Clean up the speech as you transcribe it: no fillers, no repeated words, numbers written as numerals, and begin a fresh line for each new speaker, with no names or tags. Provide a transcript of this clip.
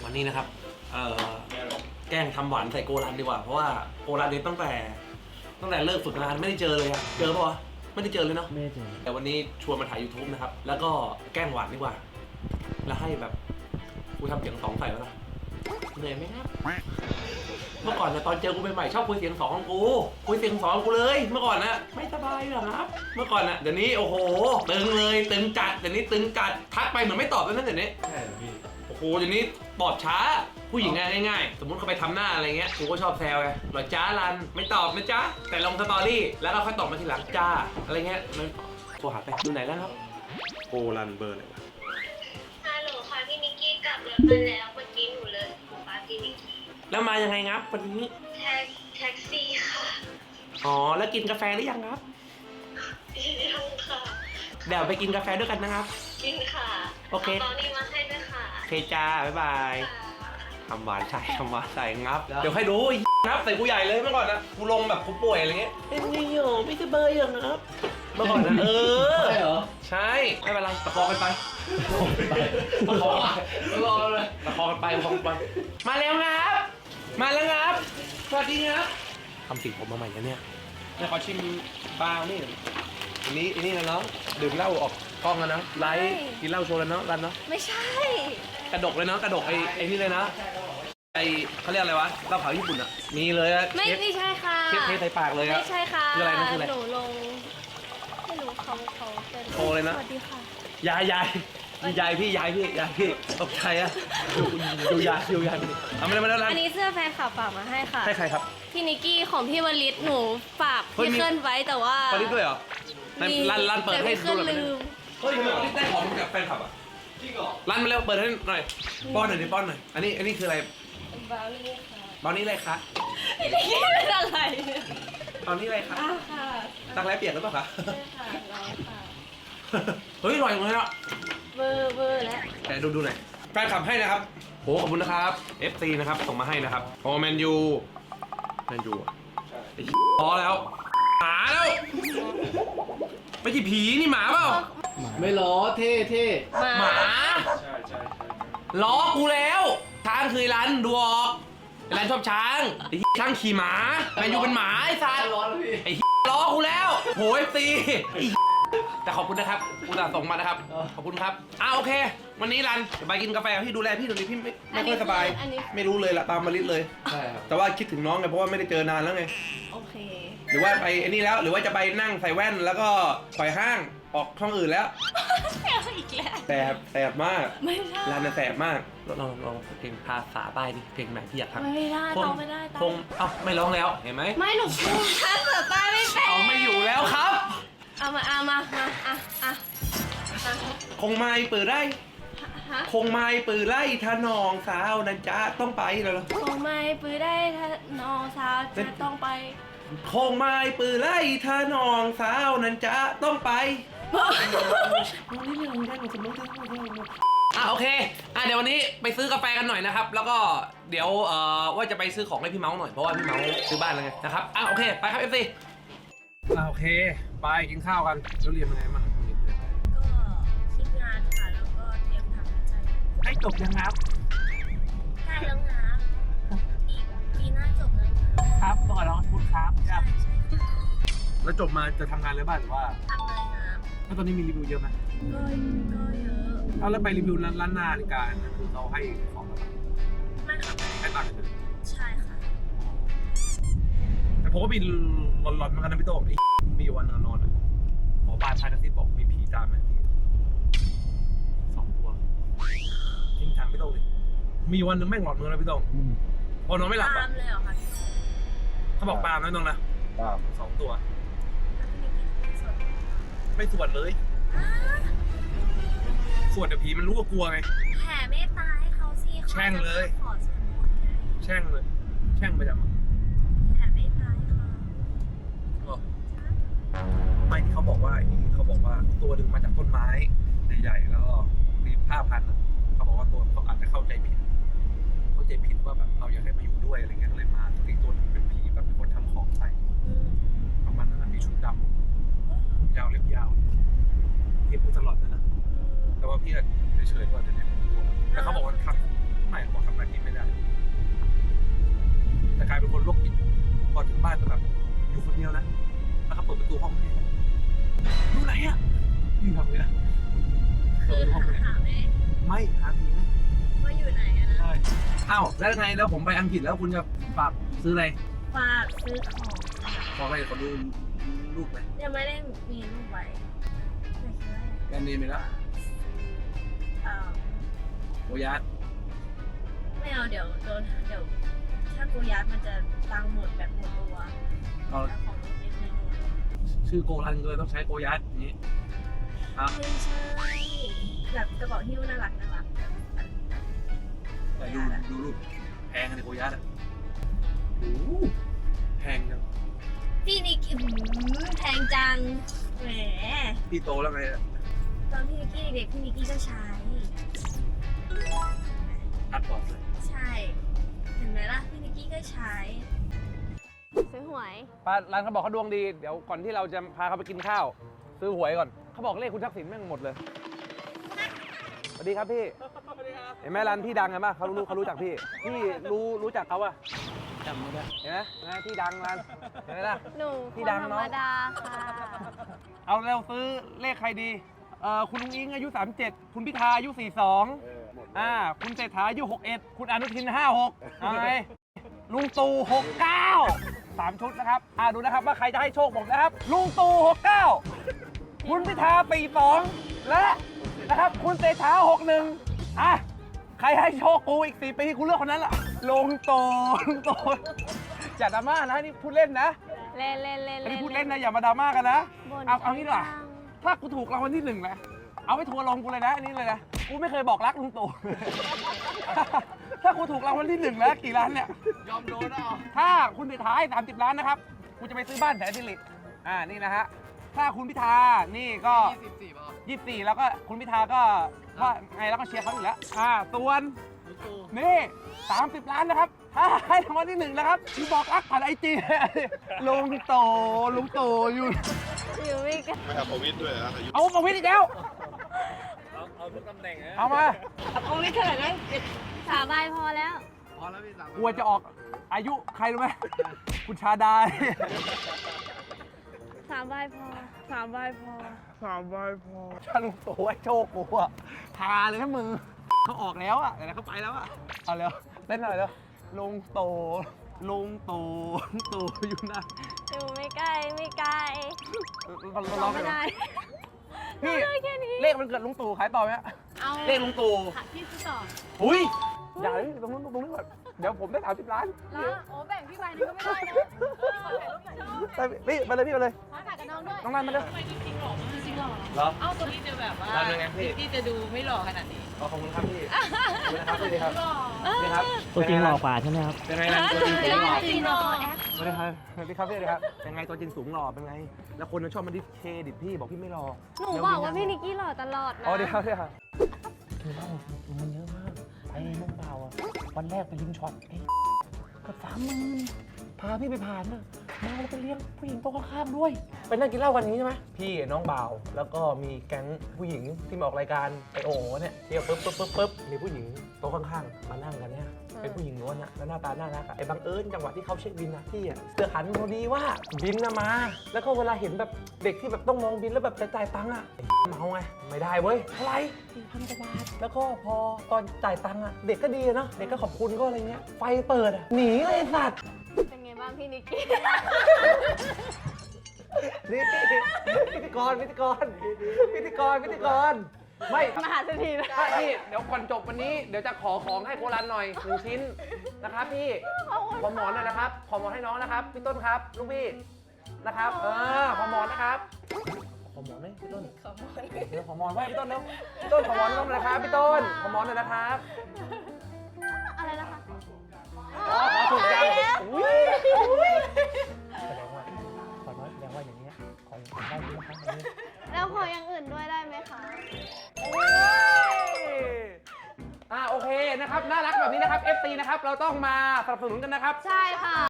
วันนี้นะครับแกล้งทำหวานใส่โกรันดีกว่าเพราะว่าโกรันเนี่ยตั้งแต่เลิกฝึกงานไม่ได้เจอเลยอะเจอปะวะไม่ได้เจอเลยเนาะไม่ได้เจอแต่วันนี้ชวนมาถ่าย YouTube นะครับแล้วก็แกล้งหวานดีกว่าแล้วให้แบบกูทำเสียงสองใส่แล้วนะเหนื่อยไหมครับเมื่อก่อนนะตอนเจอกูใหม่ๆชอบคุยเสียงสองของกูคุยเสียงสองของกูเลยเมื่อก่อนนะไม่สบายเหรอครับเมื่อก่อนนะเดี๋ยวนี้โอ้โหตึงเลยตึงจัดเดี๋ยวนี้ตึงจัดทักไปเหมือนไม่ตอบแล้วนั่นเดี๋ยวนี้ใช่พี่โอ้โหเดี๋ยวนี้ตอบช้าผู้หญิงง่ายๆสมมติเขาไปทำหน้าอะไรเงี้ยกูก็ชอบแซวไงหรอจ้ารันไม่ตอบนะจ้าแต่ลงสตอรี่แล้วเราค่อยตอบมาทีหลังจ้าอะไรเงี้ยมันโทรหาไปดูไหนแล้วครับโกรันเบอร์อะไรวะ
ฮัลโหลค่ะพี่นิกกี้กลับรถมาแล้วเมื่อกี้หนูเลยป้าพี่นิกกี้
แล้วมายังไงครับวันนี้
แท็กซี่ค่ะ
อ๋อแล้วกินกาแฟหรือยังครับ
ยังค่ะ
เดี๋ยวไปกินกาแฟด้วยกันนะครับ
กินค่ะ
โอเค
ตอนนี้มาให้ด้วยค่ะ
โอเคจ้าบ๊ายบายทำหวานใส่งับเดี๋ยวให้ดูงับใส่กูใหญ่เลยเมื่อก่อนนะกูลงแบบกูป่วยอะไรเงี้ยเป็นไงโยไม่สบายอย่างครับเมื่อก่อนนะใช่เหรอใช่ไม่เป็นไรประคองกันไปประคองเลยประคองกันไปมาแล้วครับมาแล้วครับสวัสดีครับทำสีผมมาใหม่แล้วเนี่ยขอชิมบางนี่อันนี้นะน้องดื่มเหล้าออกกล้องแล้วนะไลฟ์กินเหล้าโชว์แล้วเนาะรันเนาะ
ไม่ใช่
กระดกเลยเนาะกระดกไอ้นี่เลยนะไอ้เขาเรียกอะไรวะเหล้าขาวญี่ปุ่นอ่ะมีเลยอะ
ไม่ใช่ค่ะ
เทใส่ปากเลยอะ
ไม่ใช่ค่ะ
คืออะไรนะคืออะไร
หนูลงไม่รู้เขาเป็น
โชว์เลยนะ
สวัสดีค่ะ
ยายพี่ตกใจอะดูยายเอามาแล้ว
อันนี้เสื้อแฟนคลับฝากมาให้ค่ะ
ให้ใครครับ
พี่นิกกี้ของพี่วลิศหนูฝากพี่เคลื่อนไว้แต่ว่า
วลิศด้วยเหรอรันเปิดให้ดูหน่อยเฮ้ยทำไมวลิศได้ของจากแฟนคลับอะจริงเหรอรันมาแล้วเปิดให้หน่อยป้อนหน่อยอันนี้คืออะไร
บราวนี่ค่ะ
บราวนี่อะไรคะ
พี่นิกกี้เป็นอะไร
บราวนี่อะไรคะ
ค่ะ
ตักแร้เปียกหรือเปล่าคะ
ใช่ค่ะร้อยค่ะ
เฮ้ยอร่อยเลยอ่ะ
เบอร์แล้ว
แต่ดูหน่อยแฟนคลับให้นะครับโหขอบคุณนะครับ FC นะครับส่งมาให้นะครับโอแมนยูไอ้พอแล้วหมาแล้วไม่ใช่ผีนี่หมาเปล่า
ไม่ล้อเท่
หมาใช่ล้อกูแล้วช้างคือร้านดูออกร้านชอบช้างไอ้ช้างขี่หมาแมนยูเป็นหมาไอ้สัตว์ไอ้ล้อกูแล้วโห FCแต่ขอบคุณนะครับอุตส่าห์ส่งมานะครับขอบคุณครับโอเควันนี้รันไปกินกาแฟพี่ดูแลพี่ตรงนี้พี่ไม่ค่อยสบายไม่รู้เลยละตามมาลิศเลยใช่ครับแต่ว่าคิดถึงน้องไงเพราะว่าไม่ได้เจอนานแล้วไง
โอเค
หรือว่าไปไอ้นี่แล้วหรือว่าจะไปนั่งใส่แว่นแล้วก็ถอยห้างออกช่องอื่นแล้ว
อีกแล้ว
แสบมาก
ไม่ได้
รันแสบมากลองเพลงภาษาใต้ดิเพลงไหนที่อยากทำ
ไม่ได้ต้องไม่ได้
คงไม่ร้องแล้วเห็นไหม
ไม่หนูพูดภาษาใต้ไม่เป็น
ไม่อยู่แล้วครับ
เอามา
คงไม่ปืนไร่คงไม่ปืนไร่ท่านองสาวนันจ้าต้องไปเลย
คงไม่ปืนได้ท่านองสาวจะต้องไป
คงไม่ปืนไร่ท่านองสาวนันจ้าต้องไปโอเคเดี๋ยววันนี้ไปซื้อกาแฟกันหน่อยนะครับแล้วก็เดี๋ยวว่าจะไปซื้อของให้พี่เมาส์หน่อยเพราะว่าพี่เมาส์ซื้อบ้านแล้วไงนะครับโอเคไปครับเอฟซีโอเคไปกินข้าวกันแล้วเรียนยังไงบ้าง
ก็คิดงานค่ะแล้วก็เตรียมทำใจ
ให้จบยังครับ
ใกล้แล้วนะอีกปีหน้าจบแล้ว
ครับต้องขอร้องคุณครับแล้วจบมาจะทำงานเลยบ้างหรือว่า
ทำเลยนะ
แล้วตอนนี้มีรีวิวเยอะไหม
ก็เยอะ
แล้วไปรีวิวร้านนาฬิกาคือเราให้ของอะไร
ไม่ค่ะ
ให้ตังค์เลย
ใช่ค่ะ
แต่ผมก็มีหลอนๆเหมือนกันนะพี่โต้มีวันนอนหมอบ้านพายกระซิบบอกมีผีตามไหมพี่2 ตัวจริงทางพี่โต้เลยมีวันนึงแม่งหลอนเหมือนกันนะพี่โต้พอนอนไม่หลับ
ตามเลยเหรอคะ
เขาบอกตามนะน้องนะ2 ตัวไม่สวดเลยสวดเดี๋ยวผีมันรู้ว่ากลัวไง
แผ่เมตตาให้เขาสิ
แช่งเลยแช่งไปจัง
แผ่เมตตาให้เขา
ไม่ที่เขาบอกว่าตัวดึงมาจากต้นไม้ใหญ่ๆแล้วมีผ้าพันเขาบอกว่าตัวเขาอาจจะเข้าใจผิดว่าแบบเราอยากให้มาอยู่ด้วยอะไรเงี้ยเลยมาอีกตัวนึงเป็นผีแบบเป็นคนทำของใส่ประมาณนั้นมีชุดดำยาวเล็บยาวพี่พูดตลอดนะแต่ว่าพี่เฉยๆว่าเดี๋ยวนี้ผมกลัวแต่เขาบอกว่าทำไม่เขาบอกทำอะไรอ้าวแล้วไงแล้วผมไปอังกฤษแล้วคุณจะฝากซื้ออะไร
ฝากซื้อของ
ขอไปขอดูรูปไหม
ยังไม่ได้มีรูปไว้แต่คือว่า
แบรนด์เนมไปแล้ว
เอ่อ
โอยาส
ไม่เอาเดี๋ยวถ้ากูยัดมันจะตังค์หมดแบบหมดตัว
เอา
แล้วของรถเล็กน้อย
ชื่อโกรันเลยต้องใช้โกยัสอย่างนี้ครับ
ไม่ใช่แบบกระเป๋าหิ้วน่ารักแบบ
แต่ดูรูปแพงเลยโกยัสอ่ะโอ้โหแพงจัง
พี่นิกแพงจังแหม
พี่โตแล้วไงอะ
ตอนพี่นิกกี้เด็กพี่นิกกี้ก็ใช้
อัดก่อนเลย
ใช่ เห็นไหมล่ะพี่นิกกี้ก็ใช้ซื้อหวย
ป้าร้านเขาบอกเขาดวงดีเดี๋ยวก่อนที่เราจะพาเขาไปกินข้าวซื้อหวยก่อนเขาบอกเลขคุณทักษิณแม่งหมดเลยสวัสดีครับพี่เห็นไหมร้านพี่ดังไงป่ะเขารู้จักพี่รู้จักเขาอะจำไม่ได้เห็นไหมพี่ดังร้านเห็นไหมล่ะ
หนู
พี่ดัง
ธร
เนอะ
รมดาค่ะ
เอาเร็วซื้อเลขใครดีคุณลุงอิงอายุ37คุณพิธาอายุ42คุณเศรษฐาอายุ61คุณอนุทิน56เอาไงลุงตู่69 3ชุดนะครับดูนะครับว่าใครจะให้โชคผมนะครับลุงตู่69คุณพิธา42และนะครับคุณเศรษฐา61ใครให้โชคกูอีก4ปีกูเลือกคนนั้นล่ะลุงตู่อย่าดราม่านะนี่พูดเล่นนะ
เล่น
อันนี้พูดเล่นนะอย่ามาดราม่ากันนะเอางี้ดีกว่าถ้ากูถูกรางวัลที่1นะเอาไปทัวร์ลงกูเลยนะอันนี้เลยนะกูไม่เคยบอกรักลุงตู่ ถ้ากูถูกรางวัลที่1แล้วกี่ล้านเนี่ยยอมโดนเอาถ้าคุณเศรษฐาให้30 ล้านนะครับกูจะไปซื้อบ้านแสนสิรินี่นะฮะถ้าคุณพิธานี่ก็24แล้วก็คุณพิธาก็ว่าไงแล้วก็เชียร์เขาอยู่แล้วส่วนนี่30 ล้านนะครับถ้าให้รางวัลที่1นะครับกูบอกรักผ่านIG ลุงตู่อยู่
ไม่กัน
ไม่เอาประวิตรด้วยนะอายุ
เอาประวิตรอีกแล้วเอาทุกตำแหน่งเอามา
เอาไม่เท่าไหร่เลย3 ใบพอแล้ว
กลัวจะออกอายุใครรู้ไหมคุณชาดา
3 ใบพอ 3 ใบพอ
ถ้าลุงตู่ให้โชคกูอะพาเลยนะมึงเขาออกแล้วอะแต่เขาไปแล้วอะเอาเร็วเต้นหน่อยเร็วลุงตู่อยู่นะ
อยู่ไม่ไกล
ร้อง
ไม่ได้
พี่
ได้แค่นี้
เลขมันเกิดลุงตู่ขายต่อไหมฮะ
เอา
เลขลุงตู่
พี่ซื้อต่อ
อุ้ยอย่าเลยตรงนู้นก่อนเดี๋ยวผมได้30 ล้าน
แล้วโอ้แบ่งพี่ใบนึงก็ไม่ได้นะขอถ่ายรูปหน่อย
พี่ไปเลย
ขอถ่ายกับน้องด้วย
น้องนันมาเลย
จริงหรอ
จริงเหรอ
เหรอ
เอ้าตัวนี้จะแบบว่า
ทำยังไงพี่
ที่จะดูไม่หล่อขนาดนี้
ขอบคุณครับพี่ขอบคุณนะครับพี่ครับนี่ครับ
ตัวจริงหล่อกว่าใช่ไหมครับ
เป็นไงนะตัวจริงสูงหล่อ
จริงเหรอแอป
สวัสดีครับสวัสดีครับพี่ครับเป็นไงตัวจริงสูงหล่อเป็นไง แล้วคนชอบมาดิสเครดิตพี่บอกพี่ไม่หล่อ
หนูบอกว่าพี่นิกกี้หล่อตลอดนะ
อ๋อเดี๋ยวครับ
คือว่ามันเยอะมากไอ้น้องเปล่าอ่ะ วันแรกไปริมช็อตเกือบ30,000พาพี่ไปผ่านน่ะมาแล้วไปเลี้ยงผู้หญิงโต๊ะข้างๆด้วย
ไปนั่งกินเหล้ากันนี้ใช่ไหมพี่น้องบ่าวแล้วก็มีแก๊งผู้หญิงที่มาออกรายการไอโอเนี่ยที่ปึ๊บมีผู้หญิงโต๊ะข้างๆมานั่งกันเนี่ยเป็นผู้หญิงล้วนอะแล้วหน้าตาน่ารักอะไอ้บังเอิญจังหวะที่เขาเช็คบินนะพี่อะเสือหันพอดีว่าบินนะมา แล้วก็เวลาเห็นแบบเด็กที่แบบต้องมองบินแล้วแบบจะจ่ายตังค์อะเมาไงไม่ได้เว้ยเท่าไหร่4,000 กว่าบาทแล้วก็พอตอนจ่ายตังค์อะเด็กก็ดีอะเนาะเด็กก็ขอบคุณก็อะไรเงี้ยไฟเปิดอะหนีเลยไอ้สัตว์
เป็นไงบ้างพี่นิกกี้
นี่พิธีกรไม่
มหาเศรษฐีนะ
พี่เดี๋ยวก่อนจบวันนี้เดี๋ยวจะขอของให้โครันหน่อย1 ชิ้นนะครับพี่ขอหมอนหน่อยนะครับขอหมอนให้น้องนะครับพี่ต้นครับลูกพี่นะครับขอหมอนนะครับขอหมอนไหมพี่ต้นเดี๋ยวขอหมอนไว้พี่ต้นเร็วพี่ต้นขอหมอนน้องหน่อยนะครับพี่ต้นขอหมอนหน่อยนะครับ
อะไรนะคะ
ขอถูกยังอุ้ย
แสดงว่าอย่างเงี้ยของได้เยอะนะครับ
แล้วขออย่างอื่นด้วยได้ไหมคะ
โอเคนะครับน่ารักแบบนี้นะครับ FC นะครับเราต้องมาสนับสนุนกันนะครับ
ใช่ค่ะ